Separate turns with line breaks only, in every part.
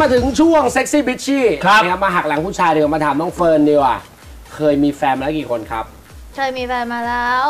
มาถึงช่วงเซ็กซี่บิชชี่นะครับมาหักหลังผู้ชายเดี๋ยวมาถามน้องเฟิร์นดีกว่าเคยมีแฟนมาแล้วกี่คนครับ
เคยมีแฟนมาแล้ว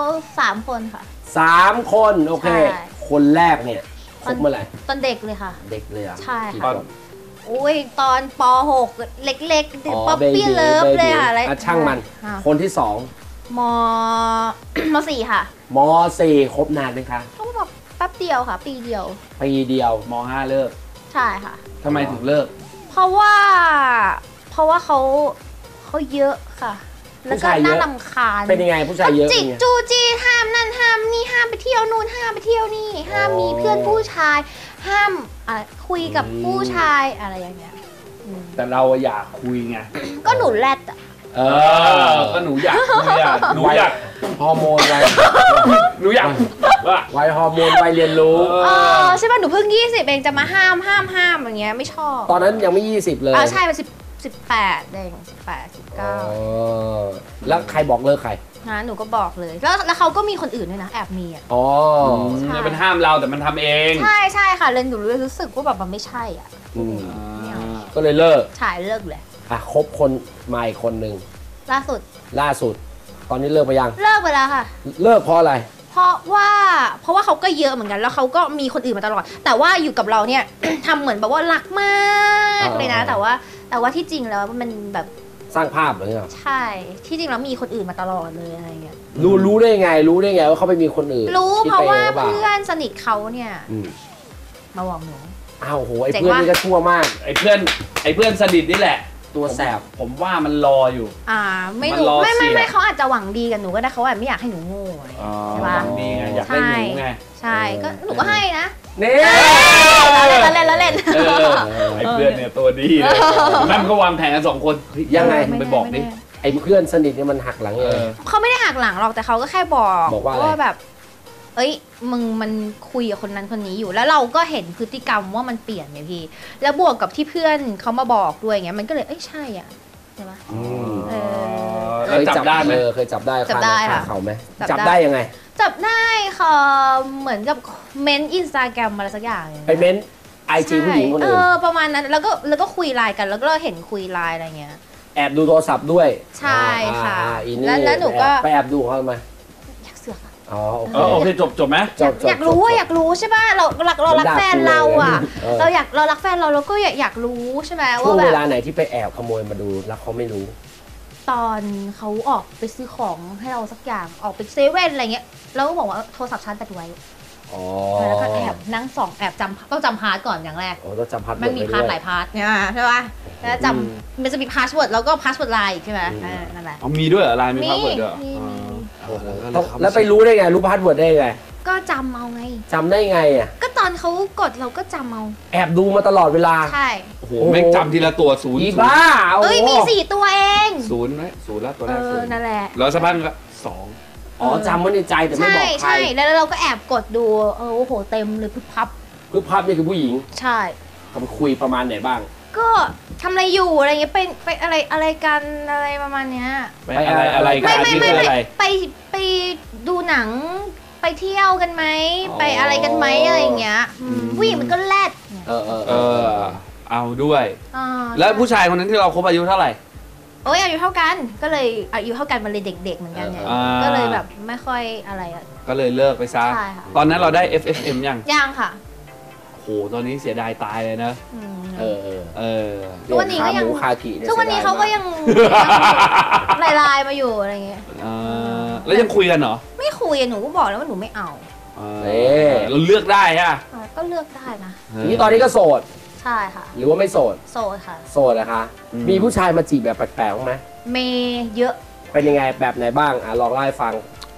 3 คนค่ะ
3 คนโอเคคนแรกเนี่ยคบเมื่อไหร่
ตอนเด็กเลยค่ะ
เด็กเลยอ่ะ
ใช่ค่ะอุ้ยตอนป .6 เล็กๆป๊อปปี้เลิฟเลยค่ะอะไร
ช่างมันคนที่
2ม.4 ค่ะ
ม.4 คบนานไหมคะ
ก็แบบแป๊บเดียวค่ะปีเดียว
ม.5 เลิก
ใช่ค่ะ
ทำไมถึงเลิก
เพราะว่าเขาเยอะค่ะแล้วก็น่ารำคาญ
เป็นยังไงผู้ชายเยอะ
จิกจูจีห้ามนั่นห้ามนี่ห้ามไปเที่ยวนู่นห้ามไปเที่ยวนี่ห้ามมีเพื่อนผู้ชายห้ามคุยกับผู้ชายอะไรอย่างเงี้ย
แต่เราอยากคุยไง
ก็หนูแรดอ่ะ
ก็หนูอยากคุยหนูอยาก
ฮอร์โมนอะไร
หนูอยาก
วัยฮอร์โมนวัยเรียนรู้
ใช่ป่ะหนูเพิ่ง20เองจะมาห้ามอย่างเงี้ยไม่ชอบ
ตอนนั้นยังไม่20เลย
ใช่เป็น18เอง18 19
แล้วใครบอกเลิกใคร
นะหนูก็บอกเลยแล้วเขาก็มีคนอื่นด้วยนะแอบมี
มันห้ามเราแต่มันทำเอง
ใช่ค่ะเลยหนูรู้สึกว่าแบบมันไม่ใช่อ่ะ
ก็เลยเลิก
ใช่เลิกเลย
คบคนใหม่คนหนึ่งล่าสุดตอนนี้เลิกไปยัง
เลิกไปแล้วค่ะ
เลิกเพราะอะไร
เพราะว่าเขาก็เยอะเหมือนกันแล้วเขาก็มีคนอื่นมาตลอดแต่ว่าอยู่กับเราเนี่ย ทำเหมือนแบบว่ารักมากเลยนะแต่ว่าที่จริงแล้วมันแบบ
สร้างภาพเหรอเนี่ย
ใช่ที่จริงแล้วมีคนอื่นมาตลอดเลยอะไรเงี้ย
รู้ได้ไงว่าเขาไปมีคนอื่น
รู้เพราะว่าเพื่อนสนิทเขาเนี่ยมาบอกหนู
โหไอ้เพื่อนนี่ก็ชั่วมาก
ไอ้เพื่อนสนิทนี่แหละตัวแสบผมว่ามันรออยู่
ไม่รู้ไม่เขาอาจจะหวังดีกับหนูก็ได้เขาอาจไม่อยากให้หนูโง่ใช่ป่ะ
นี่ไงอยากได้หนูไง
ใช่ก็หนูก็ให้นะ
นี่
เล่น
ไอ้เพื่อนเนี่ยตัวดีเลยนั่นก็วางแผนกัน2 คน
ยังไง
ไปบอกดิ
ไอ้เพื่อนสนิทเนี่ยมันหักหลังเลย
เขาไม่ได้หักหลังหรอกแต่เขาก็แค่บอกว่าแบบเอ้ยมึงมันคุยกับคนนั้นคนนี้อยู่แล้วเราก็เห็นพฤติกรรมว่ามันเปลี่ยนไงพี่แล้วบวกกับที่เพื่อนเขามาบอกด้วยเงี้ยมันก็เลยใช่อ่ะใช่ปะ
เคยจับได้ไหมเคยจับได้ค่ะเขาไหมจับได้ยังไง
จับได้ค่ะเหมือนกับเม้นอินสตาแกรมอะไรสักอย่าง
ไปเม้นIG ผู้หญิงคนอื่น
ประมาณนั้นแล้วก็คุยไลน์กันแล้วก็เห็นคุยไลน์อะไรเงี้ย
แอบดูโทรศัพท์ด้วย
ใช่ค่ะแล้วหนูก็
ไปแอบดูเขาทำไม
โอเคจบไหม
อยากรู้ใช่ป่ะเรารักแฟนเราอ่ะเรารักแฟนเราก็อยากรู้ใช่ไหมว่าแบบช่ว
งเวลาไหนที่ไปแอบขโมยมาดูแล้วเขาไม่รู้
ตอนเขาออกไปซื้อของให้เราสักอย่างออกไปเซเว่นอะไรเงี้ยแล้วก็บอกว่าโทรศัพท์ชาร์จแบตไว้แล้วก็แอบนั่งส่องแอบต้องจำพาสก่อนอย่างแรก
ต้องจำพาส
มันมีพาสหลายพาสเนี่ยใช่ป่ะแล้วจำมันจะมีพาสเวิร์ดแล้วก็พาสเวิร์ดไลน์ใช่ไหมนั่นแหละ
มีด้วยไลน์มีพาสเวิร์ดด้วย
แล้วไปรู้ได้ไงรู้พาสเวิร์ดได้ไง
ก็จำเอาไง
จำได้ไงอ่ะ
ก็ตอนเขากดเราก็จำเอา
แอบดูมาตลอดเวลา
ใช่
โอ้โหไม่จำทีละตัว0
อีบ้า
มี4 ตัวเอง
0ไหม0แล้วตัวแรก0
นั่นแหละ
แล้วสักพักก็2
จำไว้ในใจแต่ไม่บอกใคร
ใช่แล้วเราก็แอบกดดูโอ้โหเต็มเลยพึบพับ
นี่คือผู้หญิง
ใช่
เขาคุยประมาณไหนบ้าง
ก็ทำอะไรอยู่อะไรเงี้ยไปอะไรกันอะไรประมาณเนี้ย
ไปอะไรกัน
ไปดูหนังไปเที่ยวกันไหมไปอะไรกันไหมอะไรอย่างเงี้ยผู้หญิงมันก็แรด
เอาด้วยแล้วผู้ชายคนนั้นที่เราคบอายุเท่าไหร่
อายุเท่ากันก็เลยอายุเท่ากันมันเลยเด็กๆเหมือนกันไงก็เลยแบบไม่ค่อยอะไร
ก็เลยเลิกไปซะตอนนั้นเราได้ FFM ยัง
ค่ะ
โหตอนนี้เสียดายตายเลยนะ
ทุกวันนี้ก็ยังทุกวันนี้เขาก็ยังไลน์มาอยู่อะไรเงี้ย
แล้วยังคุยกันเหรอ
ไม่คุยหนูก็บอกแล้วว่าหนูไม่เอา
เราเลือกได้ฮะ
ก็เลือกได้นะ
นี่ตอนนี้ก็โสด
ใช่ค่ะ
หรือว่าไม่โสด
ค่ะ
โสดนะคะมีผู้ชายมาจีบแบบแปลกๆไหม
เยอะ
เป็นยังไงแบบไหนบ้างลองเล่าให้ฟัง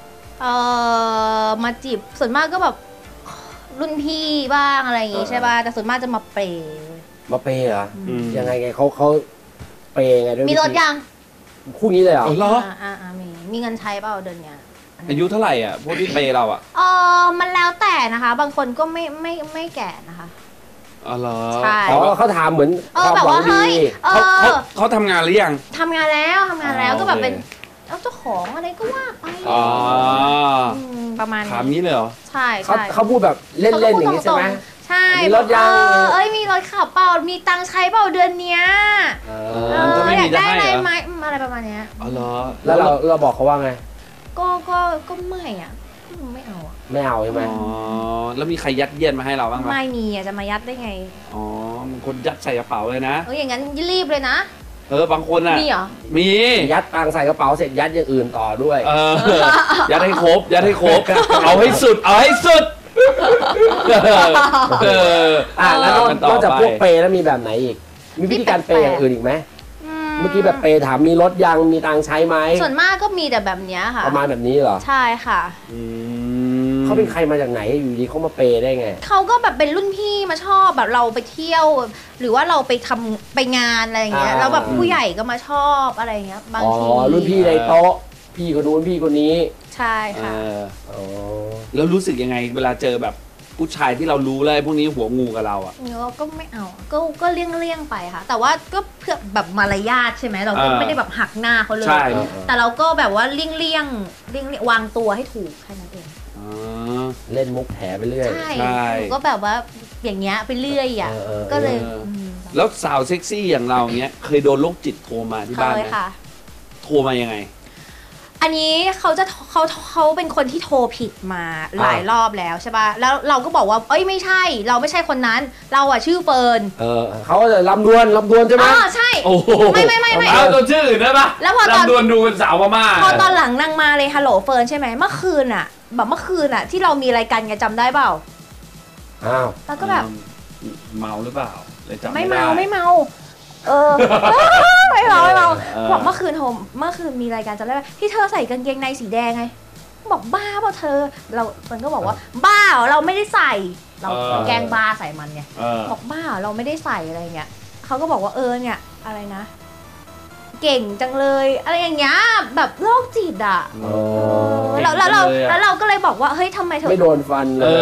มาจีบส่วนมากก็แบบรุ่นพี่บ้างอะไรอย่างงี้ใช่ป่ะแต่ส่วนมากจะมาเปย์
เหรอยังไงเขาเปย์ไงด้วย
มีรถยัง
คู่นี้เลยเหรอ
มีเงินใช้เปล่าเดือนเนี้ย
อายุเท่าไหร่อ่ะพวกที่เปย์เราอ่ะ
มันแล้วแต่นะคะบางคนก็ไม่แก่นะคะ
เหรอ
ใช่
เขาถามเหมือน
แบบว่าเฮ้ย
เขาทำงานหรือยัง
ทำงานแล้วก็แบบเป็นเจ้าของอะไรก็ว่าไปประมาณ
ถามนี้เลยเหรอ
ใช่
เขาพูดแบบเล่นๆอย่างนี้ใช่ไหม
ใช่
มีรถยัง
มีรถขับเปล่ามีตังค์ใช้เปล่าเดือนเนี้ยอยากได้อะไรไหมอะไรประมาณเนี้ย
อ๋อเหรอ
แล้วเราบอกเขาว่าไง
ก็ไม่อ่ะไม่เอาอ่ะ
ไม่เอาใช่ไหม
อ๋อแล้วมีใครยัดเยียดมาให้เราบ้างไหม
ไม่มีอ่ะจะมายัดได้ไง
อ๋อมันคนยัดใส่กระเป๋าเลยนะ
อย่างนั้นรีบเลยนะ
บางคนอ่ะ
มีเหรอ
มี
ยัดตังใส่กระเป๋าเสร็จยัดอย่างอื่นต่อด้วย
ยัดให้ครบเอาให้สุด
แล้วนอกจากพวกเปย์แล้วมีแบบไหนอีกมีวิธีการเปย์อย่างอื่นอีกไหมเมื่อกี้แบบเปย์ถามมีรถยังมีตังใช้ไหม
ส่วนมากก็มีแต่แบบนี้ค่ะ
ประมาณแบบนี้เหรอ
ใช่ค่ะ
เขาเป็นใครมาจากไหนอยู่ดีเขามาเปย์ได้ไง
เขาก็แบบเป็นรุ่นพี่มาชอบแบบเราไปเที่ยวหรือว่าเราไปงานอะไรอย่างเงี้ยแล้วแบบผู้ใหญ่ก็มาชอบอะไรเงี้ยบางที
รุ่นพี่ในโต๊ะพี่คนนู้นพี่คนนี้
ใช่ค่ะ
แล้วรู้สึกยังไงเวลาเจอแบบผู้ชายที่เรารู้เลยพวกนี้หัวงูกับเราอ่ะ
เราก็ไม่เอาก็เลี่ยงไปค่ะแต่ว่าก็เพื่อแบบมารยาทใช่ไหมเราก็ไม่ได้แบบหักหน้าเขาเลยแต่เราก็แบบว่าเลี่ยงวางตัวให้ถูกแค่นั้นเอง
เล่นมุกแถไปเรื่อย
ใช่ก็แบบว่าอย่างเงี้ยไปเรื่อยอ่ะก็เลย
แล้วสาวเซ็กซี่อย่างเราเนี้ยเคยโดนโรคจิตโทรมาที่บ้านไหมโทรมายังไง
อันนี้เขาเป็นคนที่โทรผิดมาหลายรอบแล้วใช่ป่ะแล้วเราก็บอกว่าไม่ใช่เราไม่ใช่คนนั้นเราอ่ะชื่อเฟิร์น
เขาจะลำดวนใช่ไหม
ใช่ไม่
เอาตัวชื่ออื่นได้ปะ
แล้วพอ
ลำดวนดูเป็นสาวพม่า
พอตอนหลังนางมาเลยฮัลโหลเฟิร์นใช่ไหมเมื่อคืนอ่ะที่เรามีรายการกันจำได้เปล่าแล้วก็แบบ
เมาหรือเปล่าเลยจำ
ไม่เมาไม่เมาบอกเมื่อคืนมีรายการจำได้ไหมที่เธอใส่กางเกงในสีแดงไงบอกบ้าเปล่าเธอมันก็บอกว่าบ้าเราไม่ได้ใส่เราแกล้งบ้าใส่มันไงบอกบ้าเราไม่ได้ใส่อะไรเงี้ยเขาก็บอกว่าเนี่ยอะไรนะเก่งจังเลยอะไรอย่างเงี้ยแบบโรคจิตอ่ะแล้วเราก็เลยบอกว่าเฮ้ยทำไมเธอ
ไม่โดนฟันเลย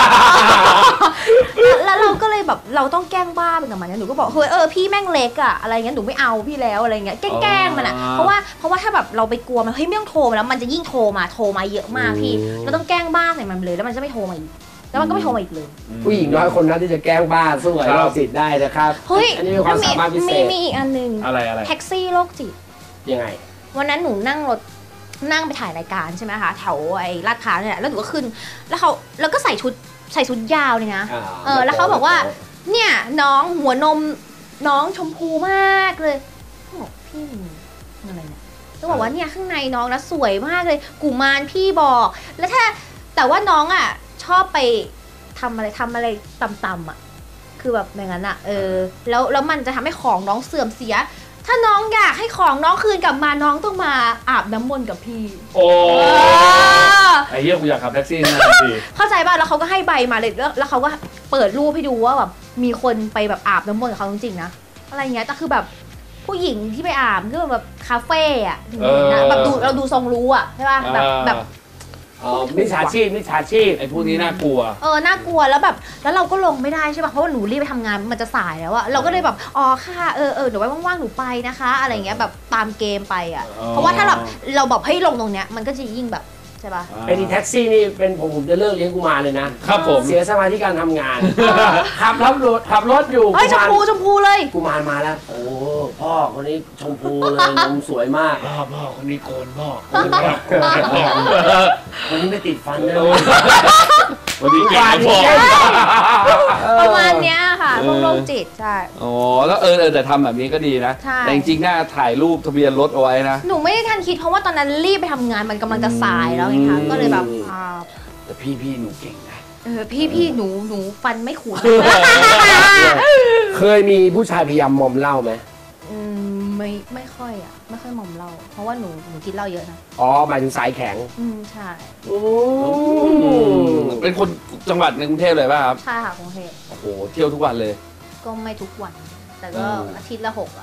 แล้วเราก็เลยแบบเราต้องแกล้งบ้าเป็นกับมันหนูก็บอกเฮ้ยพี่แม่งเล็กอะอะไรเงี้ยหนูไม่เอาพี่แล้วอะไรเงี้ยแกล้งมันอะเพราะว่าถ้าแบบเราไปกลัวมันเฮ้ยไม่ต้องโทรมาแล้วมันจะยิ่งโทรมาเยอะมากพี่เราต้องแกล้งบ้าใส่มันเลยแล้วมันจะไม่โทรมาอีกแล้วมันก็ไม่โทรมาอีกเลย
ผู้หญิงน้อยคนนั้นที่จะแกล้งบ้าสู้ไอ้โรคจิตได้นะครับ
เฮ้ย
อันนี้มีความสามารถพิเศษ
มีอีกอันนึง
อะไร
แท็กซี่โรคจิต
ยังไง
วันนั้นหนูนั่งไปถ่ายรายการใช่ไหมคะแถวไอ้ลาดพร้าวเนี่ยแล้วหนูก็ขึ้นแล้วก็ใส่ชุดยาวเลยนะแล้วเขาบอกว่าเนี่ยน้องหัวนมน้องชมพูมากเลยบอกพี่อะไรเนี่ยต้องบอกว่าเนี่ยข้างในน้องนะสวยมากเลยกุมารพี่บอกแล้วแต่ว่าน้องอ่ะชอบไปทำอะไรต่ำๆอ่ะคือแบบอย่างนั้นอ่ะแล้วมันจะทำให้ของน้องเสื่อมเสียถ้าน้องอยากให้ของน้องคืนกลับมาน้องต้องมาอาบน้ำมนต์กับพี่
โอ้ไอ้เหี้ยกูอยากขับแท็กซี่นะพี่
เข้าใจป่ะแล้วเขาก็ให้ใบมาเลยแล้วเขาก็เปิดรูปให้ดูว่าแบบมีคนไปแบบอาบน้ำมนต์กับเขาจริงๆนะอะไรเงี้ยแต่คือแบบผู้หญิงที่ไปอาบก็แบบคาเฟ่อะนะแบบเราดูทรงรู้อะใช่ป่ะแบบ
มิจฉาชีพ
ไอ้พวกนี้น่ากลัว
น่ากลัวแล้วแบบแล้วเราก็ลงไม่ได้ใช่ป่ะเพราะว่าหนูรีบไปทำงานมันจะสายแล้วอะเราก็เลยแบบค่ะเดี๋ยวไว้ว่างๆหนูไปนะคะอะไรเงี้ยแบบตามเกมไปอะเพราะว่าถ้าเราแบบให้ลงตรงเนี้ยมันก็จะยิ่งแบบใช่ป่ะ
เป็นแท็กซี่นี่เป็นผมจะเลิกเลี้ยงกุมารเลยนะครับ
ผม
เสียสมาธิการทำงานขับรถอยู่
ชมพูเลย
กุมารมาแล้วโอ้พ่อคนนี้ชมพูเลยนมสวยมาก
พ่อคนนี้โกนพ่อ
คนนี้ไม่ติดฟันเลย
วันนี้
ฟัน
ประมาณเนี้ยค่ะพวกโรคจิตใช่
แล้วแต่ทำแบบนี้ก็ดีนะแต่จริงๆน่าถ่ายรูปทะเบียนรถเอาไว้นะ
หนูไม่ได้ทันคิดเพราะว่าตอนนั้นรีบไปทำงานมันกำลังจะสายแล้วไงคะก็เลยแบบ
แต่พี่หนูเก่งนะ
พี่หนูฟันไม่ขูด
เคยมีผู้ชายพยายามมอมเหล้าไหม
ไม่ค่อยไม่ค่อยมอมเหล้าเพราะว่าหนูกินเหล้าเยอะนะ
หมายถึงสายแข็ง
ใช่
เป็นคนจังหวัดในกรุงเทพเลยป่ะครับ
ใช่ค่ะกรุงเทพ
โอ้โหเที่ยวทุกวันเลย
ก็ไม่ทุกวันแต่ก็อาทิตย์ละ6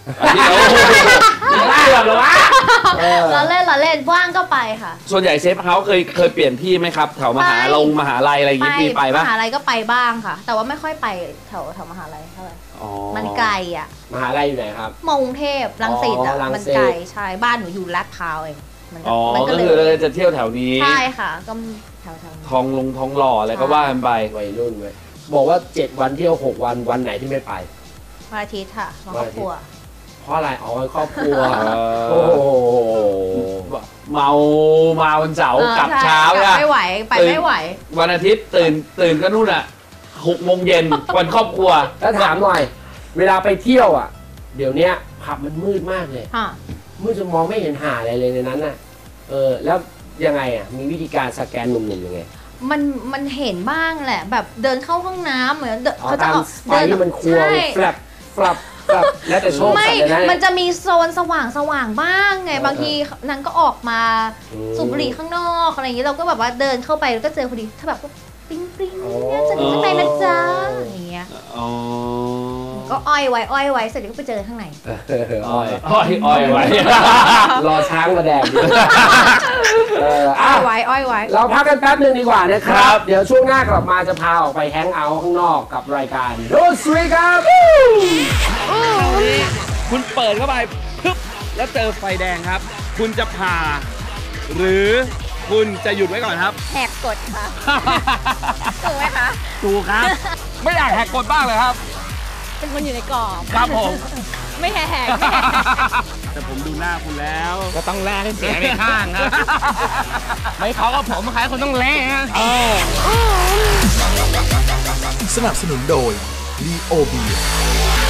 เราเล่นว่างก็ไปค่ะ
ส่วนใหญ่เซฟเฮาส์เคยเปลี่ยนที่ไหมครับแถวมหาลัยอะไรอย่างงี้มีไปปะ
มหาลัยก็ไปบ้างค่ะแต่ว่าไม่ค่อยไปแถวมหาลัยเท่าไหร่มันไกลอ่ะ
มหาลัยอยู่ไหนครับ
มอกรุงเทพรังสิตอ่ะมันไกลใช่บ้านหนูอยู่ลาดพร้าวเอง
มันก็เลยจะเที่ยวแถวนี้
ใช่ค่ะก็แถว
ทองหล่ออะไรก็ว่ากันไป
วัยรุ่นเว้ยบอกว่า7 วันเที่ยว6 วันวันไหนที่ไม่ไป
วันอาทิตย์ค่ะวันครอบครัว
เพราะอะไรอ๋อวันครอบครัว
โอ้โหมาวันเสาร์กลับเช้า
อะไม่ไหวไปไม่ไหว
วันอาทิตย์ตื่นก็นู่นอ่ะ6 โมงเย็นวันครอบครัว
แล้วถามหน่อย เวลาไปเที่ยวอ่ะ เดี๋ยวนี้ผับมันมืดมากเลยมืดจนมองไม่เห็นหาอะไรเลยในนั้นน่ะแล้วยังไงอ่ะมีวิธีการสแกนหนุ่มๆยังไง
มันเห็นบ้างแหละ แบบเดินเข้าห้องน้ำเหมือนเขาจะ
ไฟที่มันควงแฟลปแล้วแต่โชคสัตว์เลยนะ
มันจะมีโซนสว่างบ้างไงบางทีนางก็ออกมาสูบบุหรี่ข้างนอกอะไรอย่างนี้เราก็แบบว่าเดินเข้าไปแล้วก็เจอพอดีถ้าแบบปิ๊งเนี่ยจะมีข้างในนะจ๊ะอย่างเงี้ยก็อ้อยไว้เสร็จแล้วก็ไปเจอข้างใน
อ้อยไว้
รอช้างมาแดง
อ้อยไว้
เราพักกันแป๊บนึงดีกว่านะครับ เดี๋ยวช่วงหน้ากลับมาจะพาออกไปแฮงเอาท์ข้างนอกกับรายการโดสวีครับ
คุณเปิดเข้าไปปึ๊บแล้วเจอไฟแดงครับ คุณจะผ่าหรือคุณจะหยุดไว้ก่อนครับ
แหกกฎค่ะถูกไหมคะ
ถูกครับไม่อยากแหกกฎบ้างเลยครับ
เป็นคนอยู่ในกรอบ
ครับผม
ไม่แหก
แต่ผมดูหน้าคุณแล้วก็ต้องแลให้เสียไปข้างนะไม่เขาก็ผมใครคนต้องแลนะ
สนับสนุนโดยลีโอเบีย